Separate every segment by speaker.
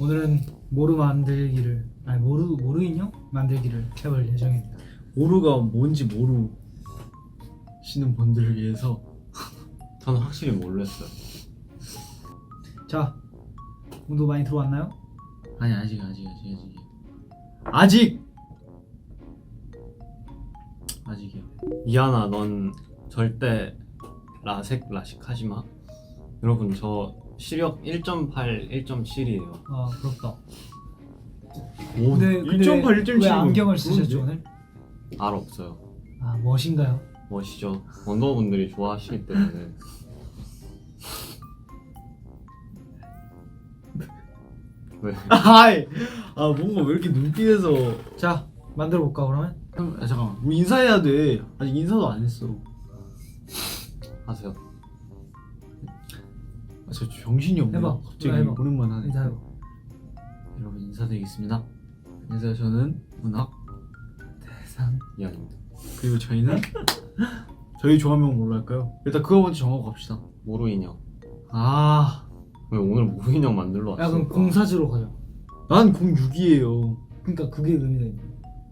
Speaker 1: 오늘은 모루 만들기를 모루 인형 만들기를 해볼 예정입니다.
Speaker 2: 모루가 뭔지 모르시는 분들을 위해서
Speaker 3: 저는 확실히 몰랐어요.
Speaker 1: 자, 온도 많이 들어왔나요?
Speaker 2: 아니 아직이요.
Speaker 3: 이하나, 넌 절대 라식 하지 마. 여러분, 저 시력 1.8, 1.7이에요.
Speaker 1: 아, 부럽다.
Speaker 2: 오,
Speaker 1: 근데
Speaker 2: 1.8, 1.7
Speaker 1: 왜 안경을
Speaker 2: 그런데?
Speaker 1: 쓰셨죠 오늘?
Speaker 3: 알 없어요.
Speaker 1: 아, 멋인가요?
Speaker 3: 멋이죠. 원더분들이 좋아하시기 때문에. 왜?
Speaker 2: 뭔가 왜 이렇게 눈빛에서
Speaker 1: 자, 만들어 볼까 그러면?
Speaker 2: 잠깐만 우리 인사해야 돼. 아직 인사도 안 했어.
Speaker 3: 하세요.
Speaker 2: 저 정신이 없네.
Speaker 1: 해봐.
Speaker 2: 갑자기
Speaker 1: 해봐.
Speaker 2: 오랜만에 하네.
Speaker 1: 인사해봐.
Speaker 2: 여러분 인사드리겠습니다. 안녕하세요. 저는 문학
Speaker 1: 대상.
Speaker 3: 이하입니다.
Speaker 2: 그리고 저희는 저희 조합명 뭘로 할까요? 일단 그거 먼저 정하고 갑시다.
Speaker 3: 모루 인형.
Speaker 2: 왜
Speaker 3: 왜 오늘 모루 인형 만들러 왔어?
Speaker 1: 야, 그럼 공사주로 가자.
Speaker 2: 난 06이에요.
Speaker 1: 그러니까 그게 의미가 있네.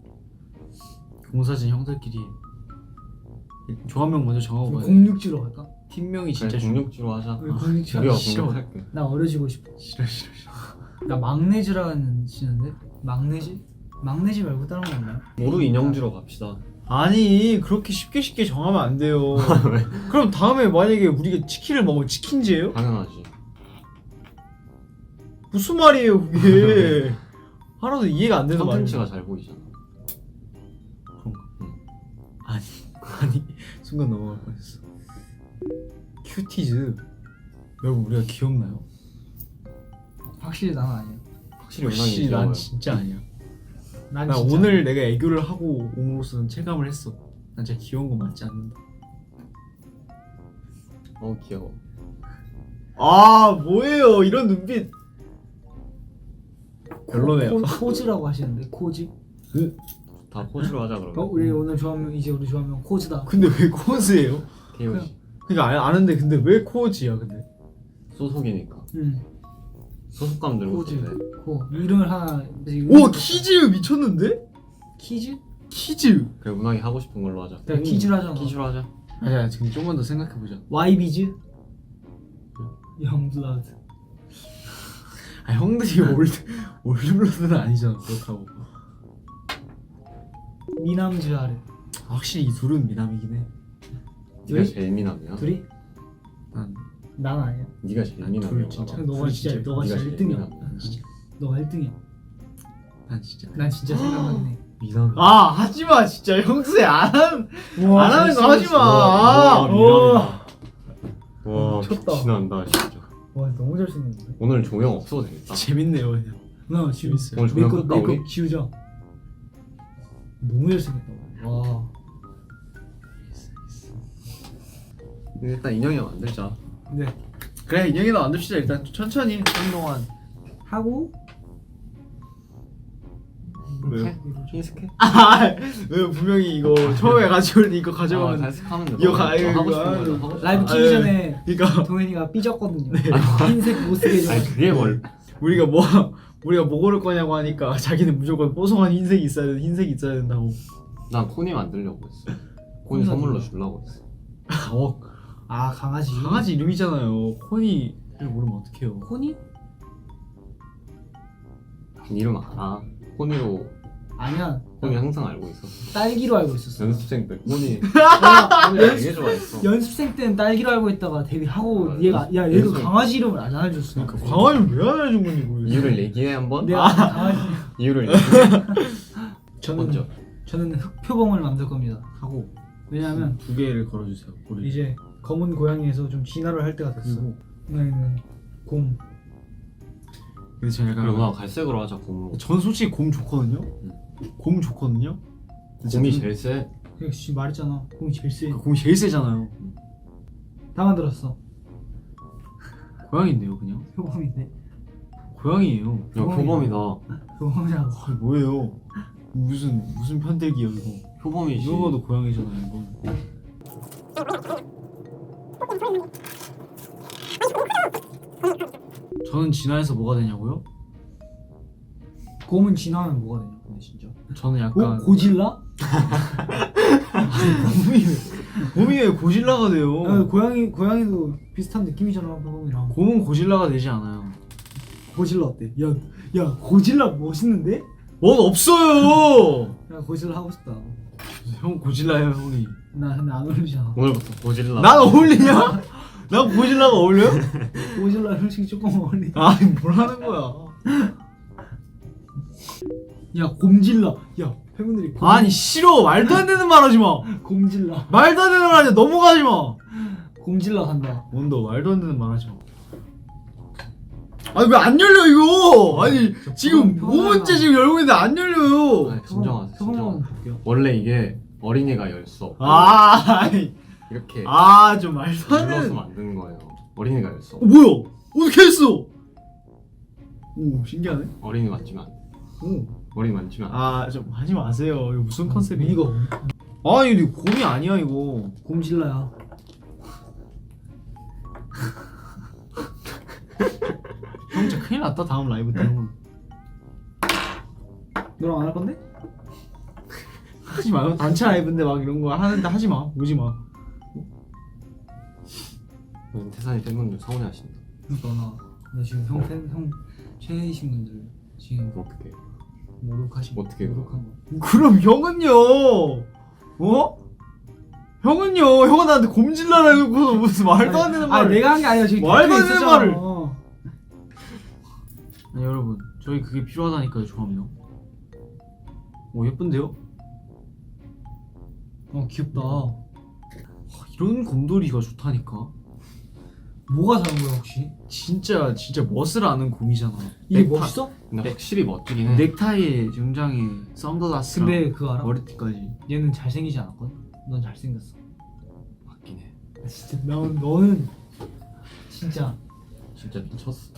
Speaker 2: 공사진 형들끼리 조합명 먼저 정하고
Speaker 1: 그럼
Speaker 2: 가야 돼.
Speaker 1: 06주로 갈까?
Speaker 2: 팀명이
Speaker 3: 그래,
Speaker 2: 진짜 중요.
Speaker 3: 공룡지로 하자.
Speaker 1: 왜 06주?
Speaker 3: 우리가
Speaker 2: 싫어.
Speaker 3: 공룡할게.
Speaker 1: 나 어려지고 싶어.
Speaker 2: 싫어.
Speaker 1: 나 막내즈라는 지는데? 막내지? 막내지 말고 다른 거 없나요?
Speaker 3: 모루 인형지로 갑시다.
Speaker 2: 아니 그렇게 쉽게 정하면 안 돼요.
Speaker 3: 왜?
Speaker 2: 그럼 다음에 만약에 우리가 치킨을 먹으면 치킨제예요?
Speaker 3: 당연하지.
Speaker 2: 무슨 말이에요 그게? 하나도 이해가 안 되는 말이야.
Speaker 3: 컨텐츠가 잘 보이잖아.
Speaker 2: 그런가?
Speaker 3: 응.
Speaker 2: 아니 순간 넘어갈 뻔했어. 큐티즈. 여러분 우리가 귀엽나요?
Speaker 1: 확실히 난 아니야.
Speaker 3: 확실히
Speaker 2: 역시
Speaker 3: 영상이
Speaker 2: 난
Speaker 3: 귀여워요.
Speaker 2: 진짜 아니야.
Speaker 1: 난
Speaker 2: 나
Speaker 1: 진짜
Speaker 2: 오늘 내가 애교를 하고 옴으로써는 체감을 했어. 난 진짜 귀여운 거 맞지 않는다.
Speaker 3: 귀여워.
Speaker 2: 뭐예요 이런 눈빛. 별로네요.
Speaker 1: 코즈라고 하시는데 코즈?
Speaker 3: 다 포즈로 하자 그러면.
Speaker 1: 우리 오늘 조합명 이제 우리 조합명 코즈다.
Speaker 2: 근데 왜 코즈예요?
Speaker 3: KOG.
Speaker 2: 그러니까 아는데 근데 왜 코즈야 근데?
Speaker 3: 소속이니까.
Speaker 1: 응.
Speaker 3: 소속감 들고
Speaker 1: 코즈.
Speaker 3: 있는데.
Speaker 1: 코. 이름을 하나.
Speaker 2: 오 키즈 미쳤는데?
Speaker 1: 키즈?
Speaker 2: 키즈.
Speaker 3: 그래, 문학이 하고 싶은 걸로 하자.
Speaker 1: 내가 키즈로 하잖아.
Speaker 3: 키즈로 하자.
Speaker 2: 아니야 지금 조금만 더 생각해보자.
Speaker 1: 와이비즈? 영블러드.
Speaker 2: 형들이 올드블러드는 아니잖아 그렇다고.
Speaker 1: 미남즈 아래.
Speaker 2: 확실히 이 둘은 미남이긴 해.
Speaker 3: 네가
Speaker 1: 둘이?
Speaker 3: 제일 미남이야?
Speaker 1: 둘이? 난 아니야.
Speaker 3: 네가 제일 미남이야.
Speaker 2: 둘 진짜.
Speaker 1: 너가
Speaker 2: 둘
Speaker 1: 진짜 너가
Speaker 3: 네가
Speaker 1: 진짜
Speaker 3: 제일
Speaker 1: 1등이야.
Speaker 3: 미남이야.
Speaker 2: 진짜.
Speaker 1: 너가 1등이야.
Speaker 2: 난 진짜.
Speaker 1: 난 진짜 생각하긴 해.
Speaker 3: 미남.
Speaker 2: 하지마 진짜 형수 안 하는 거 하지마.
Speaker 3: 와, 미남이다. 와,
Speaker 1: 미쳤다.
Speaker 3: 미친한다 진짜.
Speaker 1: 와, 너무 잘생겼는데.
Speaker 3: 오늘 조명 없어도 되겠다.
Speaker 2: 재밌네요 그냥.
Speaker 1: 나 지금
Speaker 2: 재밌어요.
Speaker 3: 오늘 조명 끌까 우리?
Speaker 1: 메이크업 지우자. 너무 잘생겼다. 와.
Speaker 3: 일단 인형이 만들자.
Speaker 1: 네.
Speaker 2: 그래 인형이나 만듭시다 일단 천천히 한동안.
Speaker 1: 하고
Speaker 2: 왜요?
Speaker 3: 흰색해?
Speaker 2: 왜 분명히 이거 처음에 가져올 이거 가져가면
Speaker 3: 갈색하면 돼.
Speaker 2: 이거
Speaker 3: 하고 싶은
Speaker 2: 아유,
Speaker 3: 거죠.
Speaker 1: 라이브
Speaker 2: 아,
Speaker 1: 키기
Speaker 2: 예.
Speaker 1: 전에
Speaker 2: 그러니까
Speaker 1: 동현이가 삐졌거든요. 흰색 못 쓰게
Speaker 3: 아니
Speaker 1: 해줘.
Speaker 3: 그게 뭘?
Speaker 2: 우리가 뭐 고를 거냐고 하니까 자기는 무조건 뽀송한 흰색이 있어야 돼. 흰색이 있어야 된다고.
Speaker 3: 난 코니 만들려고 했어. 코니
Speaker 1: 코니가
Speaker 3: 선물로
Speaker 1: 뭐야?
Speaker 3: 주려고 했어.
Speaker 1: 아, 강아지.
Speaker 2: 강아지 이름이잖아요. 코니를 모르면 어떡해요.
Speaker 1: 코니?
Speaker 3: 이름 알아. 코니로
Speaker 1: 아니야.
Speaker 3: 코니 항상 알고 있었어.
Speaker 1: 딸기로 알고 있었어.
Speaker 3: 연습생 때 코니
Speaker 1: 내가
Speaker 3: 코니 되게 좋아했어.
Speaker 1: 연습생 때는 딸기로 알고 있다가 데뷔하고
Speaker 3: 아,
Speaker 1: 얘가 야 얘도
Speaker 3: 연습생.
Speaker 1: 강아지 이름을 안 알려줬어.
Speaker 2: 그러니까 광화를 왜 안 해준 건지 모르겠어.
Speaker 3: 이유를 얘기해 한번.
Speaker 1: 내가 강아지.
Speaker 3: 이유를 얘기해.
Speaker 1: 저는
Speaker 3: 먼저.
Speaker 1: 저는 흑표범을 만들 겁니다.
Speaker 2: 하고
Speaker 1: 왜냐면
Speaker 2: 두 개를 걸어주세요. 고리.
Speaker 1: 이제 검은 고양이에서 좀 진화를 할 때가 됐어.
Speaker 2: 그리고
Speaker 1: 나는 곰.
Speaker 2: 근데 제가
Speaker 3: 그리고 나 갈색으로 하자 곰으로.
Speaker 2: 전 솔직히 곰 좋거든요. 곰 좋거든요.
Speaker 3: 곰이 제일 세.
Speaker 1: 그냥 지금 말했잖아. 곰이 제일 세.
Speaker 2: 곰이 제일 세잖아요.
Speaker 1: 다 만들었어.
Speaker 2: 고양인데요 그냥.
Speaker 1: 표범인데.
Speaker 2: 고양이에요.
Speaker 3: 야 표범이다.
Speaker 1: 표범이라고.
Speaker 2: 뭐예요? 무슨 편들기요 이거.
Speaker 3: 표범이지.
Speaker 2: 이거 봐도 고양이잖아요 이거. 저는 진화해서 뭐가 되냐고요?
Speaker 1: 곰은 진화하면 뭐가 되냐? 근데 진짜.
Speaker 2: 저는 약간
Speaker 1: 고질라?
Speaker 2: 곰이 왜 고질라가 돼요?
Speaker 1: 야, 고양이도 비슷한 느낌이잖아, 곰이랑.
Speaker 2: 곰은 고질라가 되지 않아요.
Speaker 1: 고질라 어때? 야 고질라 멋있는데?
Speaker 2: 뭔 없어요.
Speaker 1: 야 고질라 하고 싶다.
Speaker 2: 형 고질라예요 형이.
Speaker 1: 나 근데 안 어울리잖아.
Speaker 3: 오늘부터 고질라.
Speaker 2: 난 어울리냐? 난 고질라가 어울려요?
Speaker 1: 고질라 솔직히 조금 어울리.
Speaker 2: 아니 뭘 하는 거야?
Speaker 1: 야 곰질라. 야 팬분들이
Speaker 2: 아니 싫어. 말도 안 되는 말 하지 마.
Speaker 1: 곰질라.
Speaker 2: 말도 안 되는 말 하지 마. 넘어가지 마.
Speaker 1: 곰질라 간다.
Speaker 2: 뭔너 말도 안 되는 말 하지 마. 아니 왜 안 열려 이거? 아니 지금
Speaker 1: 평온하다.
Speaker 2: 5분째 지금 열고 있는데 안 열려요.
Speaker 3: 아니, 진정하세요.
Speaker 1: 표본만
Speaker 3: 진정.
Speaker 1: 볼게요.
Speaker 3: 원래 이게 어린이가 열 수 없고
Speaker 2: 아니
Speaker 3: 이렇게
Speaker 2: 좀 말도 안
Speaker 3: 눌러서
Speaker 2: 되는.
Speaker 3: 만드는 거예요. 어린이가 열 수 없고
Speaker 2: 뭐야? 어떻게 했어? 오 신기하네.
Speaker 3: 어린이 만지면 안 돼.
Speaker 2: 오.
Speaker 3: 어린이 만지면 안 돼.
Speaker 2: 좀 하지 마세요. 이거 무슨 컨셉이야?
Speaker 1: 이거
Speaker 2: 아니 이거 곰이 아니야 이거.
Speaker 1: 곰질라야.
Speaker 2: 형 진짜 큰일 났다 다음 라이브 때.
Speaker 1: 너랑 안 할 건데?
Speaker 2: 하지 마요. 단체 라이브인데 막 이런 거 하는데 하지 마. 오지 마.
Speaker 3: 태산이 팬분들 서운해하신다.
Speaker 1: 나 지금 형 최애이신 분들 지금
Speaker 3: 어떻게?
Speaker 1: 모독하시고
Speaker 3: 어떻게
Speaker 1: 모독한 거.
Speaker 2: 그럼 형은요? 어? 형은요? 형은 나한테 곰질라라 해놓고 무슨 말도 안 되는 말을.
Speaker 1: 내가 한 게 아니라 지금
Speaker 2: 말도 안
Speaker 1: 댓글에
Speaker 2: 되는
Speaker 1: 있었잖아.
Speaker 2: 말을. 아니 여러분 저희 그게 필요하다니까요 조합력. 오 예쁜데요?
Speaker 1: 귀엽다.
Speaker 2: 이런 곰돌이가 좋다니까.
Speaker 1: 뭐가 다른 거야 혹시?
Speaker 2: 진짜 멋을 아는 곰이잖아.
Speaker 1: 이게 멋있어?
Speaker 3: 근데 확실히 멋지긴 해.
Speaker 2: 넥타이에 정장에 선글라스랑
Speaker 1: 근데 그거 알아?
Speaker 2: 머리띠까지.
Speaker 1: 얘는 잘생기지 않았거든? 넌 잘생겼어.
Speaker 3: 맞긴 해.
Speaker 1: 진짜 너는 진짜
Speaker 3: 진짜 미쳤어.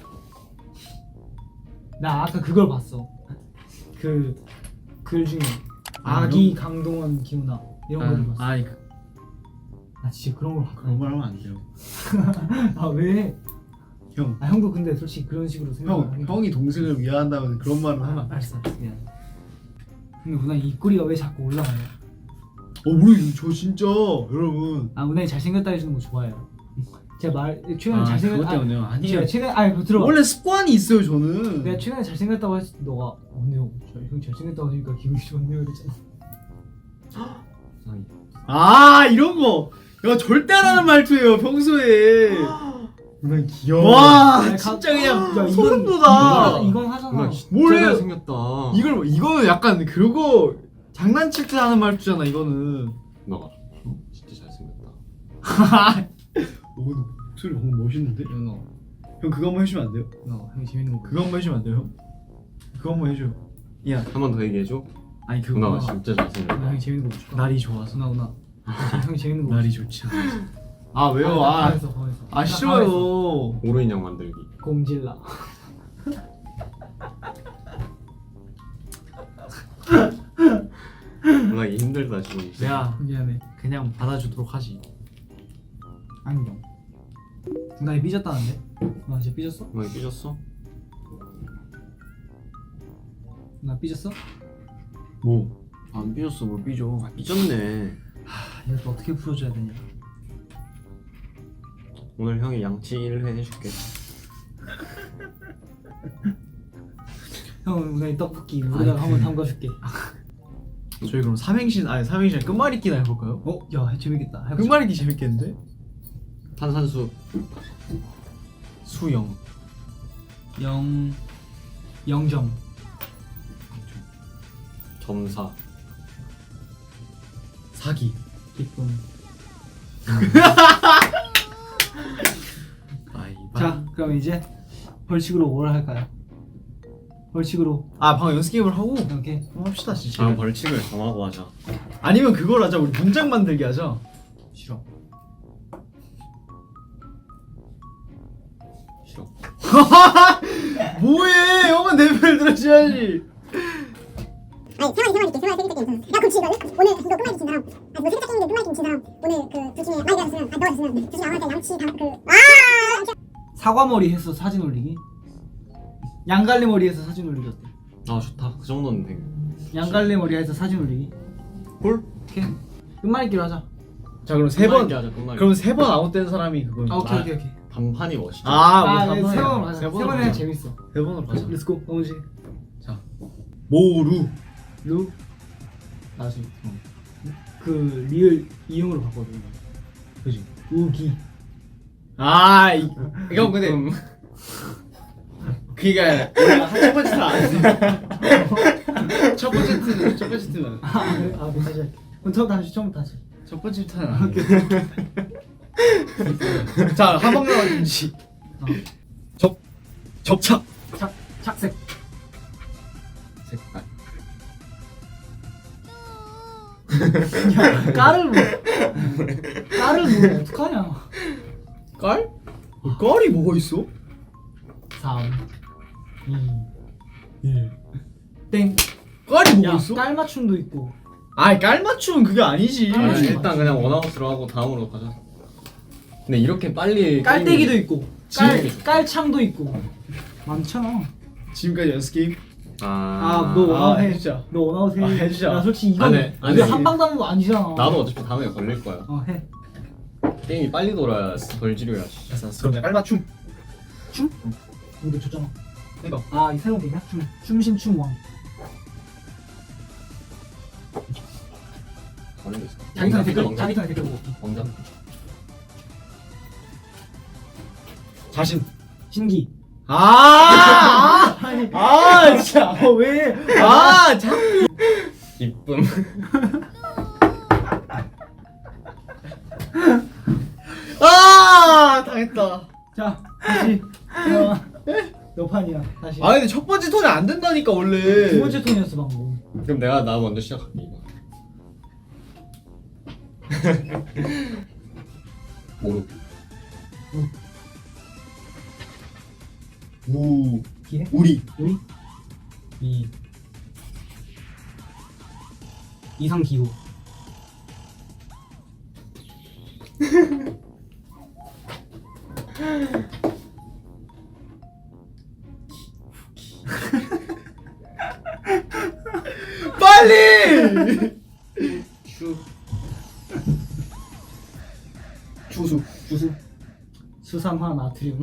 Speaker 1: 나 아까 그걸 봤어. 그 글 중에 아기 강동원 기훈아 이런 걸 봤어.
Speaker 2: 아니
Speaker 1: 나 진짜 그런 걸
Speaker 2: 그런 말 하면 안 돼요.
Speaker 1: 아 왜?
Speaker 2: 형.
Speaker 1: 형도 근데 솔직히 그런 식으로 생각하는
Speaker 2: 형이 동생을 위한다면 그런 말은 하면 안 돼.
Speaker 1: 알았어 미안. 근데 우나이 입꼬리가 왜 자꾸 올라가요?
Speaker 2: 우리 저 진짜 여러분.
Speaker 1: 우나이 잘생겼다 해주는 거 좋아해요. 제가 최근에 잘생겼
Speaker 2: 그것 때문에요? 아니에요.
Speaker 1: 제가 최근에 그거 들어봐.
Speaker 2: 원래 습관이 있어요 저는.
Speaker 1: 내가 최근에 잘생겼다고 했을 때 너가 근데 형 잘생겼다고 하니까 기분이 좋네요 이랬잖아.
Speaker 3: 세상이.
Speaker 2: 이런 거. 야 절대 안 하는 말투예요 평소에.
Speaker 3: 난 귀여워.
Speaker 2: 와
Speaker 1: 야,
Speaker 2: 진짜 그냥
Speaker 1: 야,
Speaker 2: 소름 돋아.
Speaker 1: 이건 하잖아.
Speaker 3: 누나 진짜
Speaker 2: 뭘 해요?
Speaker 3: 잘생겼다.
Speaker 2: 이거는 약간 그거 장난칠 때 하는 말투잖아 이거는.
Speaker 3: 너가 진짜 잘생겼다.
Speaker 2: 오늘 목소리 방금 멋있는데?
Speaker 1: 너
Speaker 2: 형 그거 한번 해주면 안 돼요?
Speaker 1: 형이 재밌는 거.
Speaker 2: 그거 한번 해주면 안 돼요 형? 그거 한번 해줘요. 야
Speaker 3: 한 번 더 얘기해줘.
Speaker 2: 아니 그거
Speaker 3: 누나가 진짜 잘생겼다.
Speaker 1: 형이 재밌는 거 줄까?
Speaker 2: 날이 좋아서.
Speaker 1: 누나 형이 재밌는 거
Speaker 2: 날이 좋지 않아서. 왜요?
Speaker 1: 방에서
Speaker 2: 싫어요.
Speaker 3: 오로 인형 만들기.
Speaker 1: 곰질라.
Speaker 3: 누나 이 힘들다 지금.
Speaker 2: 내가
Speaker 1: 미안해.
Speaker 2: 그냥 받아주도록 하지.
Speaker 1: 안경. 나 삐졌다는데? 나 진짜 삐졌어?
Speaker 3: 누나 삐졌어?
Speaker 1: 나 삐졌어?
Speaker 2: 뭐? 안 삐졌어 뭘 삐져.
Speaker 3: 삐졌네.
Speaker 1: 이것도 어떻게 풀어줘야 되냐?
Speaker 3: 오늘 형이 양치 1회 해줄게.
Speaker 1: 형 오늘 떡볶이 물에다가 한번 담가줄게.
Speaker 2: 저희 그럼 삼행시 끝말잇기나 해볼까요?
Speaker 1: 야 재밌겠다. 해보자.
Speaker 2: 끝말잇기 재밌겠는데?
Speaker 3: 탄산수.
Speaker 2: 수영.
Speaker 1: 0점.
Speaker 3: 점사.
Speaker 2: 사기.
Speaker 1: 기쁨.
Speaker 2: 아이바.
Speaker 1: 자 그럼 이제 벌칙으로 뭘 할까요? 벌칙으로
Speaker 2: 방금 연습 게임을 하고
Speaker 1: 이렇게
Speaker 2: 한번 합시다 진짜.
Speaker 3: 다음 벌칙을 정하고 하자.
Speaker 2: 아니면 그걸 하자. 우리 문장 만들기 하자.
Speaker 1: 싫어.
Speaker 3: 싫어.
Speaker 2: 뭐해? 형은 내 말 들어줘야지.
Speaker 4: 아니 생활 있게 생활 재밌게 게임. 야 그럼 지금 오늘 이거 끝말잇기 친 사람, 뭐 세탁 게임인데 끝말잇기 친 사람, 오늘 그 둘 중에 많이 들었으면, 너가 됐으면 둘 중에 아무한테 양치
Speaker 1: 사과머리 해서 사진 올리기. 양갈래 머리 해서 사진 올리기 어때?
Speaker 3: 아 좋다. 그 정도는 돼.
Speaker 1: 양갈래 머리에서 사진 올리기.
Speaker 2: 볼?
Speaker 1: 오케이. 끝말잇기로 하자.
Speaker 2: 자 그럼 세 번.
Speaker 3: 끝말잇기 하자, 끝말잇기.
Speaker 2: 그럼 3번 아웃된 사람이 그건.
Speaker 1: 아 오케이 오케이 오케이.
Speaker 3: 단판이 멋있죠.
Speaker 1: 아,
Speaker 2: 우리
Speaker 1: 네,
Speaker 2: 3번
Speaker 1: 세번 하자. 세 번에
Speaker 2: 하자.
Speaker 1: 재밌어.
Speaker 2: 3번으로 가자.
Speaker 1: 렛츠고. 어머지.
Speaker 2: 모루.
Speaker 1: 루. 나수. 그 리을 이응으로 바꿔줘.
Speaker 2: 그지.
Speaker 1: 우기.
Speaker 2: 아 이거 근데 그니까 첫 번째 타안 했어. 첫 번째 트는
Speaker 1: 아 그래? 아 다시 할게. 그럼 처음부터 다시.
Speaker 2: 첫 번째 타는 안 돼. 자 한방 나와준지. 접착.
Speaker 1: 착색.
Speaker 2: 색깔.
Speaker 1: 야 깔을 뭐? 깔을 뭐 어떡하냐?
Speaker 2: 깔? 깔이 뭐가 있어?
Speaker 1: 3, 2, 1. 땡.
Speaker 2: 깔이 뭐가
Speaker 1: 야,
Speaker 2: 있어?
Speaker 1: 깔 맞춤도 있고.
Speaker 2: 아이 깔 맞춤은 그게 아니지.
Speaker 1: 깔 맞춤.
Speaker 3: 일단 그냥 원아웃으로 하고 다음으로 가자. 근데 이렇게 빨리
Speaker 1: 깔때기도 있고.
Speaker 3: 지금이 좋다.
Speaker 1: 깔창도 있고. 많잖아.
Speaker 2: 지금까지 연습 게임.
Speaker 1: 아, 너 원아웃 해.
Speaker 2: 해주자.
Speaker 1: 너 원아웃 해.
Speaker 2: 아, 해주자.
Speaker 1: 야, 솔직히 이건
Speaker 3: 안 해, 안
Speaker 1: 우리
Speaker 3: 해.
Speaker 1: 한방 담은 거 아니잖아.
Speaker 3: 나도 어차피 다음에 걸릴 거야.
Speaker 1: 해.
Speaker 3: 게임이 빨리 돌아야 덜 지루야.
Speaker 2: 그럼 깔 맞춤.
Speaker 1: 춤? 이거 줬잖아.
Speaker 2: 이거.
Speaker 1: 아, 이 새로운 게임이야? 춤신 왕.
Speaker 3: 걸리고 있어.
Speaker 1: 자기 턴에 댓글,
Speaker 3: 왕자.
Speaker 1: 자기 턴에 댓글 보고.
Speaker 3: 왕자.
Speaker 2: 자신.
Speaker 1: 신기.
Speaker 2: 아니. 진짜.
Speaker 1: 왜?
Speaker 2: 자.
Speaker 3: 기쁨.
Speaker 2: 당했다.
Speaker 1: 자, 다시. 너 판이야. 다시.
Speaker 2: 근데 첫 번째 턴이 안 된다니까 원래.
Speaker 1: 두 번째 턴이었어 방금.
Speaker 3: 그럼 나 먼저 시작할게 이거. 모르.
Speaker 1: 기회?
Speaker 2: 우리.
Speaker 1: 우리? 이상 기호.
Speaker 2: 빨리. 주수.
Speaker 1: 수산화 나트륨.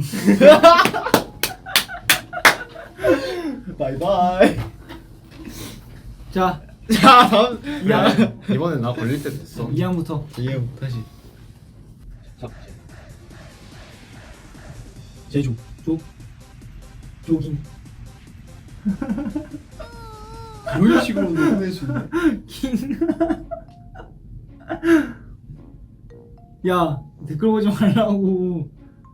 Speaker 2: 바이바이.
Speaker 1: 자,
Speaker 2: 다음.
Speaker 3: 이번엔 나 걸릴 때 됐어.
Speaker 1: 2항부터.
Speaker 2: 예, 다시.
Speaker 3: 자,
Speaker 2: 제조.
Speaker 1: 조깅.
Speaker 2: 그런 식으로 보낼 수 있네.
Speaker 1: 야, 댓글 보지 말라고.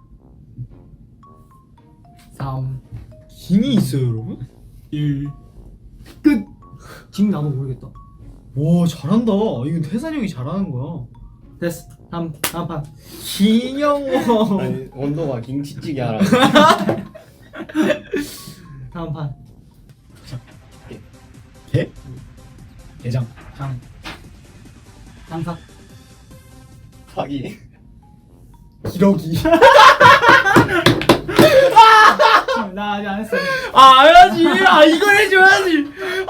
Speaker 1: 3,
Speaker 2: 킹이 있어요, 여러분?
Speaker 1: 1. 끝. 지금 나도 모르겠다.
Speaker 2: 와, 잘한다. 이건 태산이 형이 잘하는 거야.
Speaker 1: 됐어. 다음 판.
Speaker 2: 김영호.
Speaker 3: 아니 원도가 김치찌개 하라.
Speaker 1: 다음 판.
Speaker 2: 개? 게장.
Speaker 1: 장사.
Speaker 3: 사기.
Speaker 2: 기러기.
Speaker 1: 나 아직 안 했어.
Speaker 2: 해야지. 이걸 해줘야지.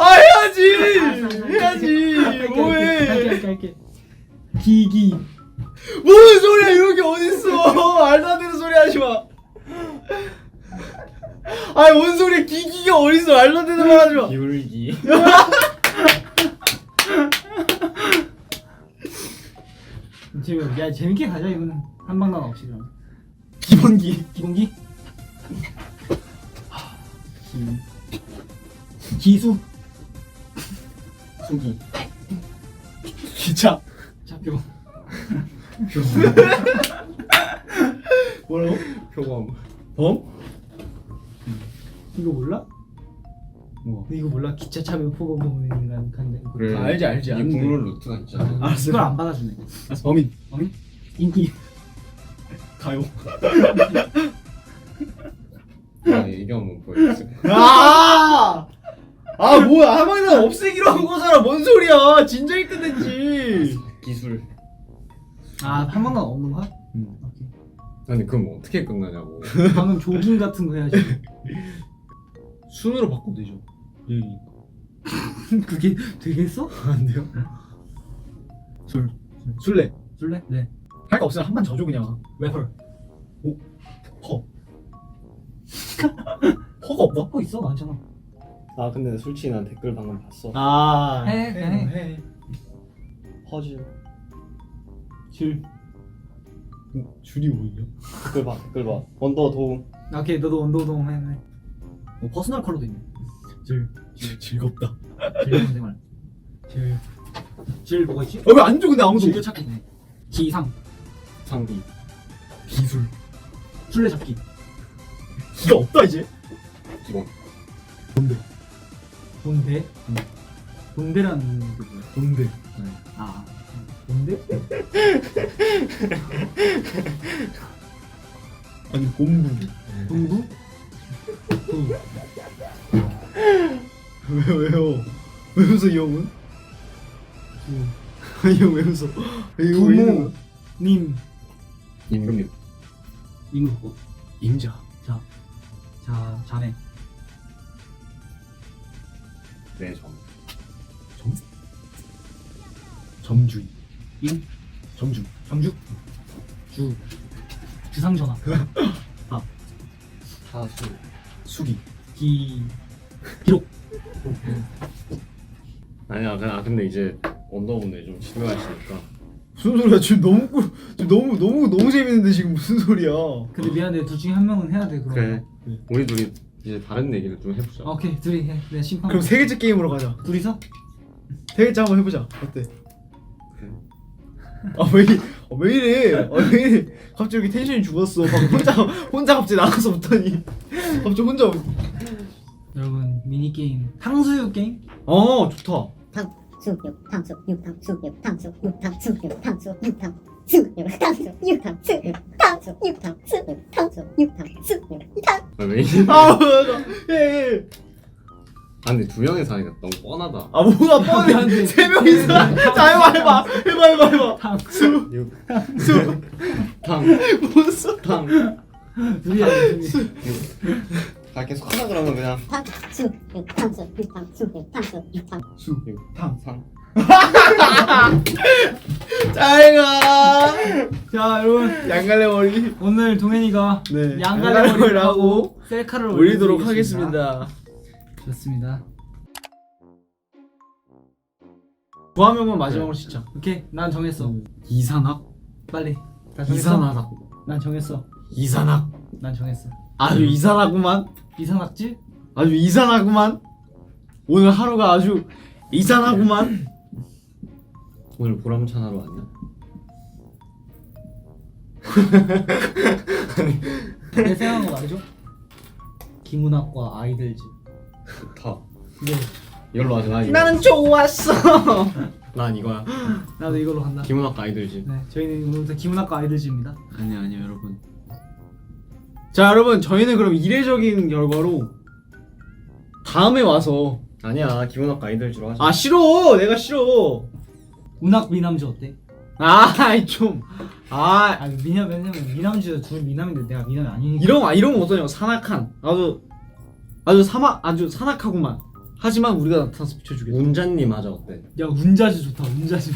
Speaker 2: 해야지. 뭐해.
Speaker 1: 할게. 기기.
Speaker 2: 무슨 소리야, 이런 게 어딨어. 말도 안 되는 소리 하지 마. 뭔 소리야, 기기가 어딨어. 말도 안 되는 말 하지 마.
Speaker 3: 기울기.
Speaker 1: 야, 재밌게 가자 이거는. 한방난 없이 그럼.
Speaker 2: 기본기.
Speaker 1: 기본기. 기수.
Speaker 3: 수기.
Speaker 2: 기차.
Speaker 1: 잡표.
Speaker 2: 뭐라고?
Speaker 3: 표범.
Speaker 2: 범?
Speaker 1: 이거 몰라?
Speaker 2: 뭐?
Speaker 1: 이거 몰라? 기차 차면 포고 보는 인간 간대.
Speaker 3: 그래.
Speaker 2: 알지.
Speaker 3: 이
Speaker 2: 아는데.
Speaker 3: 국룰 루트가 있잖아.
Speaker 2: 알았어.
Speaker 1: 이걸 안 받아주네.
Speaker 2: 범인.
Speaker 1: 인기.
Speaker 2: 가요.
Speaker 3: 이경 보여줬어.
Speaker 2: 뭐야. 한방에 없애기로 한 거잖아. 뭔 소리야. 진작에 끝냈지.
Speaker 3: 기술.
Speaker 1: 한방난 없는 거야? 오케이.
Speaker 3: 아니 그럼 어떻게 끝나냐고.
Speaker 1: 방금 조깅 같은 거 해야지.
Speaker 2: 순으로 바꾸면 되죠. 예.
Speaker 1: 그게 되겠어?
Speaker 2: 안 돼요? 술래.
Speaker 1: 술래? 네.
Speaker 2: 할 거 없으면 한 번 져줘 그냥.
Speaker 1: 래퍼.
Speaker 2: 허. 허가 없나?
Speaker 1: 먹고 있어 많잖아.
Speaker 3: 아 근데 솔직히 난 댓글 방금 봤어.
Speaker 2: 아.
Speaker 1: 해.
Speaker 3: 허즈.
Speaker 1: 줄.
Speaker 2: 줄이 뭐냐?
Speaker 3: 댓글 봐 댓글 봐. 언더 도움.
Speaker 1: 오케이 너도 언더동 해. 퍼스널 컬러도 있네.
Speaker 2: 즐겁다.
Speaker 1: 즐거운 생활. 질 뭐가 있지?
Speaker 2: 왜 안 줘 근데 아무도?
Speaker 1: 즐겨찾기 있네. 기상.
Speaker 3: 상비.
Speaker 2: 기술.
Speaker 1: 술래잡기.
Speaker 2: 기가 없다 이제.
Speaker 3: 기본.
Speaker 1: 본대? 본대라는 게 뭐야?
Speaker 2: 뭔데?
Speaker 1: 아 본대?
Speaker 2: 아니 공부.
Speaker 1: 동부?
Speaker 2: 왜요? 왜 웃어 이 형은? 이 형 왜 웃어? 왜 이거 왜 이러는 거야?
Speaker 1: 님.
Speaker 3: 임금.
Speaker 1: 임금.
Speaker 2: 임자.
Speaker 1: 자네.
Speaker 3: 네 점.
Speaker 2: 점주인.
Speaker 1: 점주. 주상전화.
Speaker 3: 사수.
Speaker 2: 수기.
Speaker 1: 기록.
Speaker 3: 아니야 근데 이제 언더분들 좀 집요하시니까.
Speaker 2: 무슨 소리야? 지금 너무 재밌는데 지금 무슨 소리야?
Speaker 1: 근데 미안해 둘 중에 한 명은 해야 돼 그럼.
Speaker 3: 그래. 우리 둘이 이제 다른 얘기를 좀 해보자.
Speaker 1: 오케이 둘이 해. 내가 심판.
Speaker 2: 그럼 세 개째 게임으로 가자.
Speaker 1: 둘이서?
Speaker 2: 세 개째 한번 해보자. 어때?
Speaker 3: 그래.
Speaker 2: 왜 이래? 갑자기 이렇게 텐션이 죽었어. 방금 혼자 갑자기 나가서 붙더니 갑자기 혼자.
Speaker 1: 여러분 미니 게임 탕수육 게임?
Speaker 2: 좋다.
Speaker 4: 탕수육 탕수육 탕수육 탕수육 탕수육 탕수육 탕수육 탕수육 탕수육 탕수육 탕수육 탕수육 탕수육 탕
Speaker 3: 왜 이래?
Speaker 2: 예.
Speaker 3: 아 근데 두 명이서 하니까 너무 뻔하다.
Speaker 2: 뭐가 뻔해? 세 명이서. 자 해봐.
Speaker 1: 탕수.
Speaker 3: 탕.
Speaker 2: 무슨?
Speaker 3: 탕.
Speaker 1: 둘이야 둘이.
Speaker 3: 다 계속 하자 그러면 그냥.
Speaker 4: 탕수육 탕수육 탕수육 탕수육 탕
Speaker 3: 상.
Speaker 2: 잘가.
Speaker 1: 자 여러분
Speaker 2: 양갈래 머리
Speaker 1: 오늘 동현이가
Speaker 2: 네,
Speaker 1: 양갈래 머리를 하고 셀카를
Speaker 2: 올리도록
Speaker 1: 올려드리겠습니다.
Speaker 2: 하겠습니다.
Speaker 1: 좋습니다.
Speaker 2: 그 한 명만 마지막으로 진짜.
Speaker 1: 오케이 난 정했어.
Speaker 2: 이산학.
Speaker 1: 빨리. 다 정했어?
Speaker 2: 이산하다.
Speaker 1: 난 정했어.
Speaker 2: 이산학.
Speaker 1: 난 정했어.
Speaker 2: 아주 이산하구만.
Speaker 1: 이상학지?
Speaker 2: 아주 이산하구만. 오늘 하루가 아주 이산하구만.
Speaker 3: 오늘 보람찬 하루 아니야?
Speaker 1: 내 생각한 거 말이죠. 기문학과 아이들집.
Speaker 3: 좋다.
Speaker 1: 네.
Speaker 3: 이걸로 하자. 나 이거.
Speaker 2: 나는 좋았어.
Speaker 3: 난 이거야.
Speaker 1: 나도 이걸로 간다.
Speaker 3: 기문학과 아이들집.
Speaker 1: 네, 저희는 오늘부터 기문학과 아이들집입니다.
Speaker 2: 아니요 여러분. 자 여러분 저희는 그럼 이례적인 결과로 다음에 와서.
Speaker 3: 아니야 기문학과 아이들집으로 하자.
Speaker 2: 싫어. 내가 싫어.
Speaker 1: 운학 미남주 어때?
Speaker 2: 좀.
Speaker 1: 왜냐면 미남주가 둘 미남인데 내가 미남이 아니니까.
Speaker 2: 이런 거 어떠냐고. 산악한. 아주 산악하구만. 하지만 우리가 나타나서 비춰주겠다.
Speaker 3: 운자님 하자 어때?
Speaker 1: 야 운자주 좋다. 운자주.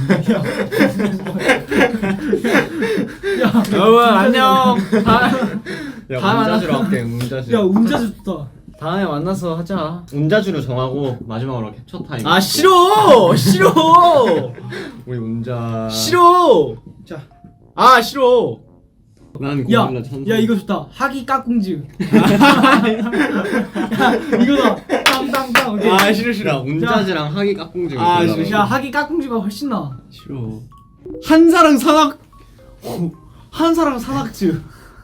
Speaker 1: 야
Speaker 2: 여러분 안녕.
Speaker 3: 야
Speaker 2: 다
Speaker 3: 운자주로 할게. 운자주.
Speaker 1: 야 운자주 좋다.
Speaker 2: 다음에 만나서 하자.
Speaker 3: 운자주로 정하고 마지막으로 캡처 타임.
Speaker 2: 싫어.
Speaker 3: 우리 운자.
Speaker 2: 싫어. 싫어.
Speaker 3: 난
Speaker 1: 야,
Speaker 3: 고릴라 천사.
Speaker 1: 야 이거 좋다. 하기 까꿍즈. 야 이거다. 땅땅땅. 오케이.
Speaker 3: 야 운자주랑 하기 깍꿍지.
Speaker 1: 야 하기 까꿍즈가 훨씬 나.
Speaker 2: 싫어. 한사랑 산악즈.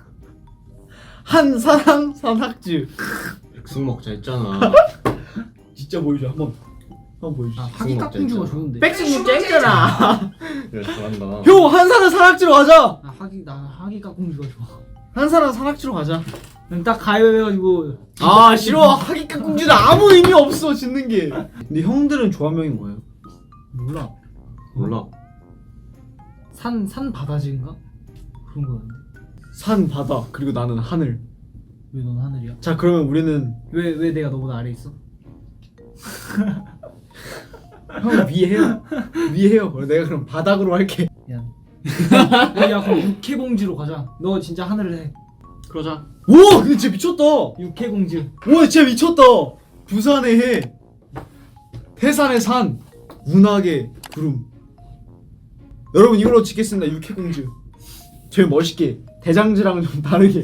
Speaker 2: 한사랑 산악즈.
Speaker 3: 백숙 먹자 했잖아.
Speaker 2: 진짜 보여줘 한번 보여줘.
Speaker 1: 하기 까꿍즈가 좋은데.
Speaker 2: 백승 쨍잖아.
Speaker 3: 야 잘한다.
Speaker 2: 형 한사랑 산악지로 가자.
Speaker 1: 나 하기 까꿍즈가 좋아.
Speaker 2: 한사랑 산악지로 가자.
Speaker 1: 그럼 딱 가위바위보 해가지고.
Speaker 2: 싫어. 하기 깍꿍지는 아무 의미 없어 짓는 게. 근데 형들은 조합명이 뭐예요?
Speaker 1: 몰라. 산 바다지인가? 그런 거였는데.
Speaker 2: 산 바다 그리고 나는 하늘.
Speaker 1: 왜 넌 하늘이야?
Speaker 2: 자 그러면 우리는
Speaker 1: 왜 내가 너보다 아래 있어?
Speaker 2: 형 위에 해요. 위에 해요. 내가 그럼 바닥으로 할게.
Speaker 1: 야 그럼 육해공주로 가자. 너 진짜 하늘을 해.
Speaker 3: 그러자.
Speaker 2: 오 근데 진짜 미쳤다.
Speaker 1: 육해공주.
Speaker 2: 와 진짜 미쳤다. 부산의 해, 태산의 산, 운하의 구름. 여러분 이걸로 짓겠습니다. 육해공주. 제일 멋있게 대장지랑 좀 다르게.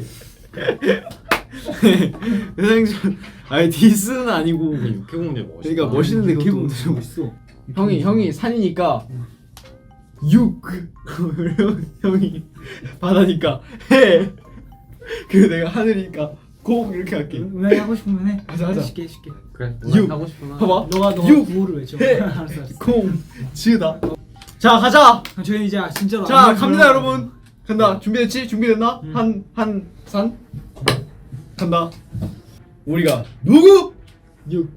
Speaker 2: 대장지 아니 디스는 아니고
Speaker 3: 육해공주 멋있다.
Speaker 2: 그러니까 멋있는데 그것도
Speaker 1: 육해공주 멋있어.
Speaker 2: 형이 산이니까 육 형이 바다니까 해. 그리고 내가 하늘이니까 공 이렇게 할게.
Speaker 1: 왜 하고 싶으면 해.
Speaker 2: 하자.
Speaker 1: 쉽게 쉽게.
Speaker 3: 그래.
Speaker 2: 육.
Speaker 3: 하고 싶구나.
Speaker 2: 봐봐.
Speaker 1: 너가
Speaker 2: 육,
Speaker 1: 구호를 외쳐.
Speaker 2: 해,
Speaker 1: 알았어.
Speaker 2: 공 지으다. 자 가자.
Speaker 1: 그럼 저희 이제 진짜로.
Speaker 2: 자
Speaker 1: 안녕
Speaker 2: 갑니다
Speaker 1: 들어가야
Speaker 2: 여러분. 간다. 준비됐지? 준비됐나?
Speaker 1: 응.
Speaker 2: 한 산 간다. 우리가 누구?
Speaker 1: 돼. 육.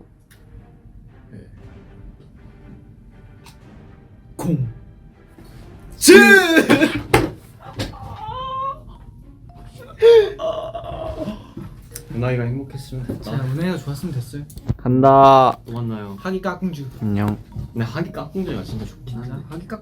Speaker 2: 공 지.
Speaker 3: 은하이가 행복했으면 됐다.
Speaker 1: 자 은혜가 좋았으면 됐어요.
Speaker 2: 간다.
Speaker 3: 또 만나요.
Speaker 1: 하기 까꿍주.
Speaker 2: 안녕.
Speaker 3: 근데 하기 깍꿍제가 진짜 좋긴 하네.
Speaker 1: 하기 까